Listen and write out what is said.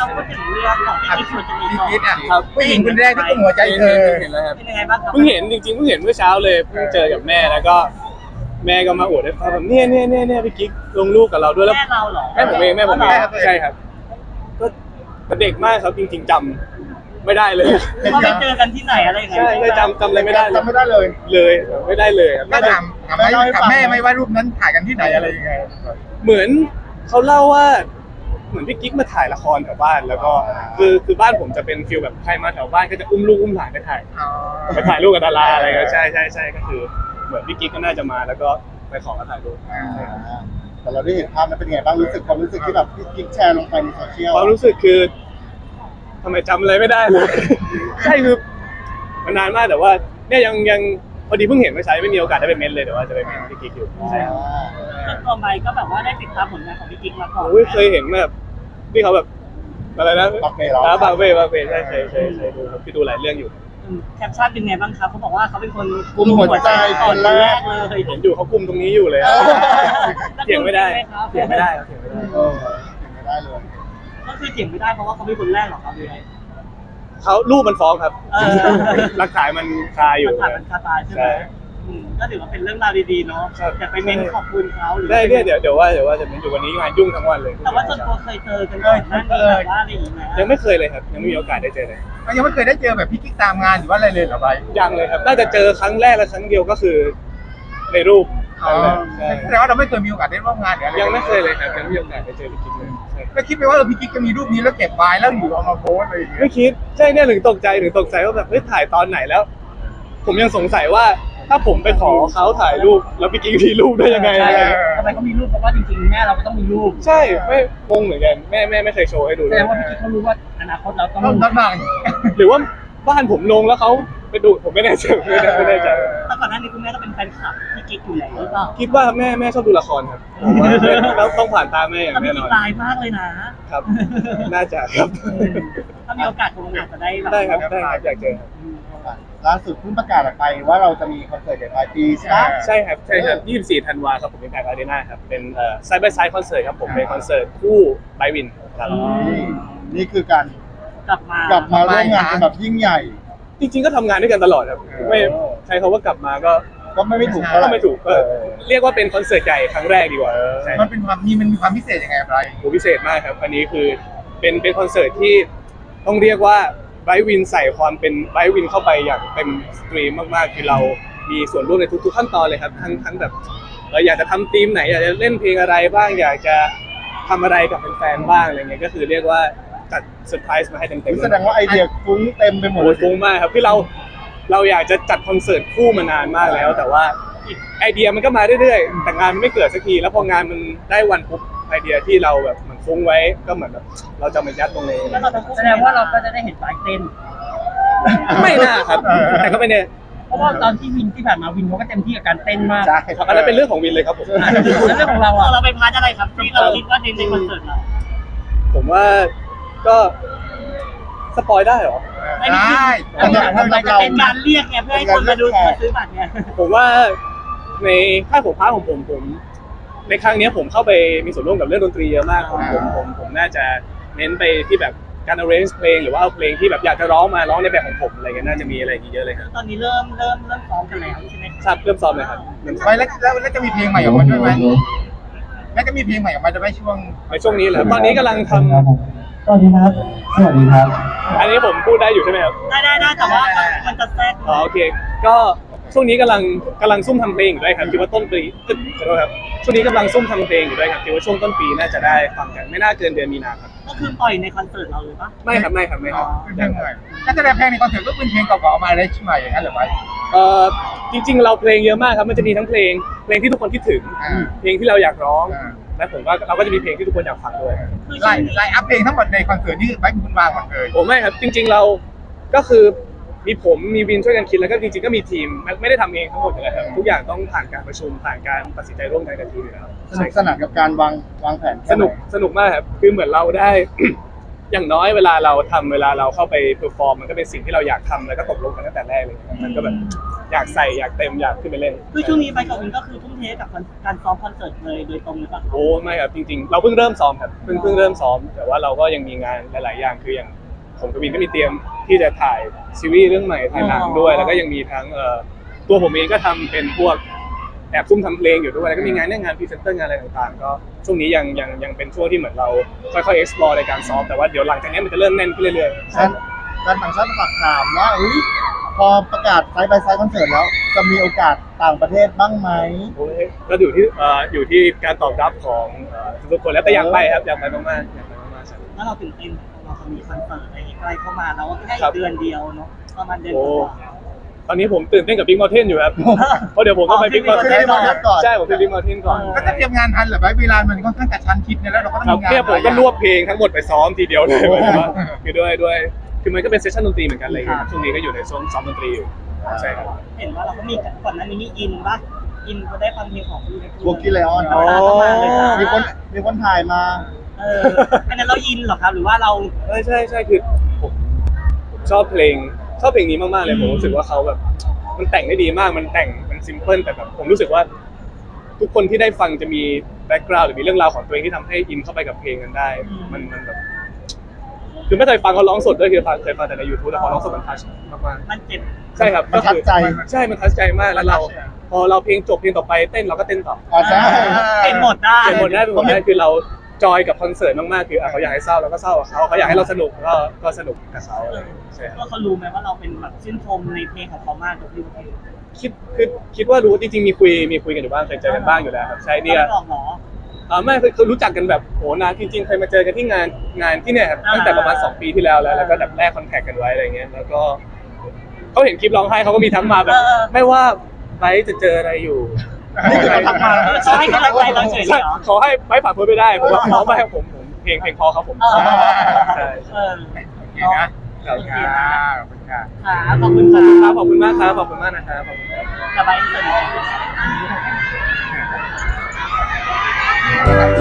เราพูดถึงเรื่องของพี่ชวนจะมีพี่ก่อนคิดอ่ะครับผู้หญิงคนแรกที่กุมหัวใจเธอเห็นแล้วครับเป็นยังไงบ้างครับเพิ่งเห็นจริงๆเพิ่งเห็นเมื่อเช้าเลยเพิ่งเจอกับแม่แล้วก็แม่ก็มาอวดให้ฟังแบบเนี่ยพี่กิ๊กลงรูปกับเราด้วยแล้วแม่เราเหรอแม่ผมเองแม่ตัวเองใช่ครับก็เด็กมากครับจริงๆจำไม่ได้เลยว่าไปเจอกันที่ไหนอะไรยังไงใช่เลยจำอะไรไม่ได้เลยจำไม่ได้เลยไม่ได้เลยครับก็ถามแม่ไม่ว่ารูปนั้นถ่ายกันที่ไหนอะไรยังไงเหมือนเขาเล่าว่าเหมือนพี่กิ๊กมาถ่ายละครแถวบ้านแล้วก็คือบ้านผมจะเป็นฟิลแบบใครมาแถวบ้านก็จะอุ้มลูกอุ้มหลานไปถ่ายรูปกับดาราอะไรก็ใช่ก็คือเหมือนพี่กิ๊กก็น่าจะมาแล้วก็ไปขอมาถ่ายรูปแต่เราได้เห็นภาพนั้นเป็นไงบ้างความรู้สึกที่แบบพี่กิ๊กแชร์ลงไปในโซเชียลความรู้สึกคือทำไมจำอะไรไม่ได้เลย ใช่คือมันนานมากแต่ว่าเนี่ยยังพอดีเพิ่งเห็นเมื่อเช้าไม่มีโอกาสได้ไปเม้นเลยแต่ว่าจะไปเม้นพี่กิ๊กอยู่ใช่ครับส่วนตัวใบก็แบบว่าได้ติดตามผลงานของพี่กิ๊กมาก่อนโอ้ยเคยเห็นแบบที่เขาแบบอะไรนะปักเมย์เหรอบางเว่ใช่เคยดูครับพี่ดูหลายเรื่องอยู่แคปชั่นเป็นไงบ้างครับเขาบอกว่าเขาเป็นคนกุมหัวใจคนแรกเลยเห็นอยู่เขากุมตรงนี้อยู่เลยอะเถียงไม่ได้เถียงไม่ได้ครับเถียงไม่ได้เออไม่ได้เลยก็คือเถียงไม่ได้เพราะว่าเขาเป็นคนแรกหรอครับหรือไงเขารูปมันฟ้องครับเออหลักฐานมันคาอยู่มันผ่านมันคาตาใช่ไหมก็ถือว่าเป็นเรื่องราวดีๆเนาะครับอยากไปเม้นขอบคุณเขาหรือได้เนี่ยเดี๋ยวว่าจะเป็นอยู่วันนี้งานยุ่งทั้งวันเลยแต่ว่าส่วนตัวเคยเจอกันก่อนหน้านี้แบบว่าอะไรอย่างเงี้ยยังไม่เคยเลยครับยังไม่มีโอกาสได้เจอเลยยังไม่เคยได้เจอแบบพี่กิ๊กตามงานหรือว่าอะไรเลยเหรอใบยังเลยครับน่าจะเจอครั้งแรกและครั้งเดียวก็คือในรูปใช่แต่ว่าเราไม่เคยมีโอกาสได้ร่วมงานหรืออะไรยังไม่เคยเลยครับยังไม่มีโอกาสได้เจอพี่กิ๊กเลยใช่แล้วคิดไปว่าพี่กิ๊กจะมีรูปนี้แล้วเก็บไว้แล้วอยู่เอามาโพสอะไรอย่างเงี้ยไม่คิดใช่เนี่ยถึงตกใจว่าแบบเฮ้ยถ่ายตอนไหนแล้ว ผมยังสงสัยว่าถ้าผมไปขอเขาถ่ายรูปแล้วพี่กิ๊กมีรูปได้ยังไงใช่ทำไมเขามีรูปเพราะว่าจริงๆแม่เราก็ต้องมีรูปใช่ไม่งงเหมือนกันแม่ไม่เคยโชว์ให้ดูแสเลดยงว่าพี่กิ๊กเขารู้ว่าอนาคตเราต้องต้องนั่งหรือว่าบ้านผมลงแล้วเขาไปดูผมไม่แน่ใจไม่แน่ใจแต่ก่อนหน้านี้คุณแม่ก็เป็นแฟนคลับพี่กิ๊กอยู่แล้วหรือเปล่าคิดว่าแม่ชอบดูละครครับผมว่าแล้วต้องผ่านตาแม่อย่างแล้วแน่พี่นกิ๊อก นลายมากเลยนะครับ น่าจะครับถ้ามีโอกาสคงอาจจะได้แบบได้ครับอยากเจอครับล่าสุดเพิ่งประกาศออกไปว่าเราจะมีคอนเสิร์ตใหญ่ปลายปีใช่ไหมใช่ครับ24 ธันวาครับผมเป็นการอารีนาครับเป็นไซด์บายไซด์คอนเสิร์ตครับผมเป็นคอนเสิร์ตคู่ไบวินครับนี่คือการกลับมากลับมาร่วมงานกันแบบยิ่งใหญ่จริงๆก็ทำงานด้วยกันตลอดครับไม่ใช้คำว่ากลับมาก็ก็ไม่ถูกเท่าไหก็ร่ไม่ถูกเรียกว่าเป็นคอนเสิร์ตใหญ่ครั้งแรกดีกว่าใช่มันเป็นความมันมีความพิเศษยังไงอะไรโหพิเศษมากครับอันนี้คือเป็นคอนเสิร์ตที่ต้องเรียกว่าไบรท์วินใส่ความเป็นไบรท์วินเข้าไปอย่างเต็มสตรีมมากๆคือเรามีส่วนร่วมในทุกๆขั้นตอนเลยครับทั้งแบบเราอยากจะทำธีมไหนอยากจะเล่นเพลงอะไรบ้างอยากจะทำอะไรกับแฟนๆบ้างอะไรเงี้ยก็คือเรียกว่าจัดเซอร์ไพรส์มาให้เต็มๆแสดงว่าไอเดียฟุ้งเต็มไปหมดโอ้ยฟุ้งมากครับคือเราอยากจะจัดคอนเสิร์ตคู่มานานมากแล้ว แต่ว่าไอเดียมันก็มาเรื่อยๆแต่งานมันไม่เกิดสักทีแล้วพองานมันได้วันปุ๊บไอเดียที่เราแบบเหมือนฟุ้งไว้ก็เหมือนแบบเราจะมายัดตรงนี้แสดงว่าเราก็จะได้เห็นปลายเต้นไม่น่าครับแต่ก็ไม่แน่เพราะว่าตอนที่วินที่ผ่านมาวินเขาก็เต็มที่กับการเต้นมากใช่ครับอันนั้นเป็นเรื่องของวินเลยครับผมแล้วเรื่องของเราอ่ะเราไปพาร์ทอะไรครับที่เราคิดว่าในคอนเสิร์ตเราผมว่าก็สปอยได้เหรอได้มันจะเป็นการเรียกไงเพื่อให้คนมาดูมาซื้อบัตรไงผมว่าในค่ายของพาร์ทของผมในครั้งนี้ผมเข้าไปมีส่วนร่วมกับเรื่องดนตรีเยอะมากผมน่าจะเน้นไปที่แบบการ arrange เพลงหรือว่าเอาเพลงที่แบบอยากจะร้องมาร้องในแบบของผมอะไรเงี้ยน่าจะมีอะไรอย่างเงี้ยเยอะเลยครับตอนนี้เริ่มซ้อมกันแล้วใช่ไหมทราบเริ่มซ้อมเลยครับเริ่มซ้อมไว้แล้วจะมีเพลงใหม่ออกมาด้วยไหมแล้วจะมีเพลงใหม่ออกมาจะไหมช่วงในช่วงนี้แหละตอนนี้กำลังทสวัสดีครับ สวัสดีครับำอันนี้ผมพูดได้อยู่ใช่ไหมครับได้แต่ว่ามันจะแทรกอ๋อโอเคก็ช่วงนี้กำลังซุ่มทำเพลงอยู่ด้วยครับคิดว่าต้นปีขอโทษครับช่วงนี้กำลังซุ่มทำเพลงอยู่ด้วยครับคิดว่าช่วงต้นปีน่าจะได้ฟังกันไม่น่าเกินเดือนมีนาครับก็คือปล่อยในคอนเสิร์ตเราเลยปะไม่ครับเป็นเพลงใหม่ถ้าแสดงเพลงในคอนเสิร์ตก็เป็นเพลงเก่าๆออกมาได้ใช่ไหมอย่างนั้นหรือไม่จริงๆเราเพลงเยอะมากครับมันจะมีทั้งเพลงที่ทุกคนคิดถึงเพลงที่เราอยากร้องและผมว่าเราก็จะมีเพลงที่ทุกคนอยากฟังด้วยไลน์อัพเพลงทั้งหมดในคอนเสิร์ตนี่ไว้คุณวางหมดเลยผมไม่ครับจริงๆเราก็คือมีผมมีวินช่วยกันคิดแล้วก็จริงๆก็มีทีมไม่ได้ทำเองทั้งหมดเลยครับทุกอย่างต้องผ่านการประชุมผ่านการตัดสินใจร่วมกันกับทีมอยู่แล้วสนุกสนานกับการวางแผนสนุกมากครับคือเหมือนเราได้ อย่างน้อยเวลาเราเข้าไปเพอร์ฟอร์มมันก็เป็นสิ่งที่เราอยากทำแล้วก็ตกลงกันตั้งแต่แรกเลยมันก็แบบอยากใส่อยากเต็มอยากขึ้นไปเล่นคือช่วงนี้ไปกับวินก็คือทุ่มเทกับการซ้อมคอนเสิร์ตเลยโดยตรงหรือเปล่าโอ้ไม่ครับจริงๆเราเพิ่งเริ่มซ้อมครับเพิ่งเริ่มซ้อมแต่ว่าเราก็ยังมีงานหลายๆอย่างคืออย่างผมกับวินก็มีเตรียมที่จะถ่ายซีรีส์เรื่องใหม่ถ่ายหนังด้วยแล้วก็ยังมีทั้งตัวผมเองก็ทำเป็นพวกแอบซุ่มทำเพลงอยู่ด้วยแล้วก็มีงานงานพรีเซนเตอร์งานอะไรต่างๆก็ช่วงนี้ยังเป็นช่วงที่เหมือนเราค่อยๆ explore ในการซ้อมแต่ว่าเดี๋ยวหลังจากนี้มันจะเริ่มแน่นขึ้นเรื่อยๆการต่างชาติฝากถามว่าพอประกาศไซด์บายไซด์คอนเสิร์ตแล้วจะมีโอกาสต่างประเทศบ้างไหมโอ้ยก็อยู่ที่การตอบรับของทุกคนแล้วแต่อยากไปครับอยากไปมากๆอยากไปมากๆใช่แล้วเราตื่นเต้นเราจะมีคอนเสิร์ตอะไรใกล้เข้ามาแล้วแค่ครับเดือนเดียวเนาะประมาณเดือนกโอ้ว่าตอนนี้ผมตื่นเต้นกับ Big Mountain อยู่ครับ เพราะเดี๋ยวผมต้องไป Big อ๋อ Mountain ขึ้น Big Mountain ก่อนใช่ผมไป Big Mountain ก่อนก็จะเตรียมงานทันเหรือไปเวลามันค่อนข้างกระชั้นชิดเนี่ยแล้วเราก็ต้องครับมีงานเนี่ยผมก็รวบเพลงทั้งหมดไปซ้อมทีเดียวเลยหมายถึงว่าคือด้วยคือมันก็เป็นเซสชั่นดนตรีเหมือนกันอะไรอย่างเงี้ยครับช่วงนี้ก็อยู่ในช่วงซ้อมดนตรีอยู่ใช่ครับเห็นว่าเราก็มีก่อนหน้านี้มีอินปะอินก็ได้ฟังเพลงของวงกิเลออนอ๋อเลยจ้ะมีคนถ่ายมาอันนั้นเราอินเหรอครับหรือว่าเราใช่คือผมชอบเพลงนี้มากๆเลยผมรู้สึกว่าเขาแบบมันแต่งได้ดีมากมันซิมเพิลแต่แบบผมรู้สึกว่าทุกคนที่ได้ฟังจะมีแบ็กกราวด์หรือมีเรื่องราวของตัวเองที่ทำให้อินเข้าไปกับเพลงนั้นได้มันแบบคือไม่เคยฟังเขาร้องสดด้วยคือเคยฟังแต่ใน YouTube แต่พอร้องสดมันทัชมากมันเจ็บๆใช่ครับมันทัชใจใช่มันทัชใจมากแล้วเราพอเราเพลงจบเพลงต่อไปเต้นเราก็เต้นต่อใช่เห็นหมดได้เป็นหมดได้คือเราจอยกับคอนเสิร์ตมากๆคือเขาอยากให้เศร้าเราก็เศร้ากับเขาอยากให้เราสนุกก็สนุกกับเขาอะไรอย่างเงี้ยใช่ครับก็เขารู้ไหมว่าเราเป็นแบบชื่นชมในเพลงของเขามากกับพี่คิดว่ารู้จริงๆมีคุยกันอยู่บ้างเคยเจอกันบ้างอยู่แล้วครับใช่เนี่ยไม่บอกหรอไม่คือรู้จักกันแบบโหนานจริงๆเคยมาเจอกันที่งานที่เนี่ยครับตั้งแต่ประมาณ2 ปีที่แล้วแล้วก็แบบแรกคอนแทคกันไว้อะไรเงี้ยแล้วก็เขาเห็นคลิปร้องไห้เขาก็มีทักมาแบบไม่ว่าไบร์ทจะเจออะไรอยู่นี่คือเขาทักมาเขาให้กำลังใจเราเฉยเหรอขอให้ไบร์ทผ่านพ้นไปได้ผมว่าเขาไม่ให้ผมเพลงพอครับผมใช่เออโอเคนะขอบคุณค่ะขอบคุณค่ะขอบคุณคขอบคุณมากครับขอบคุณมากนะครับขอบคุณครับสบายดี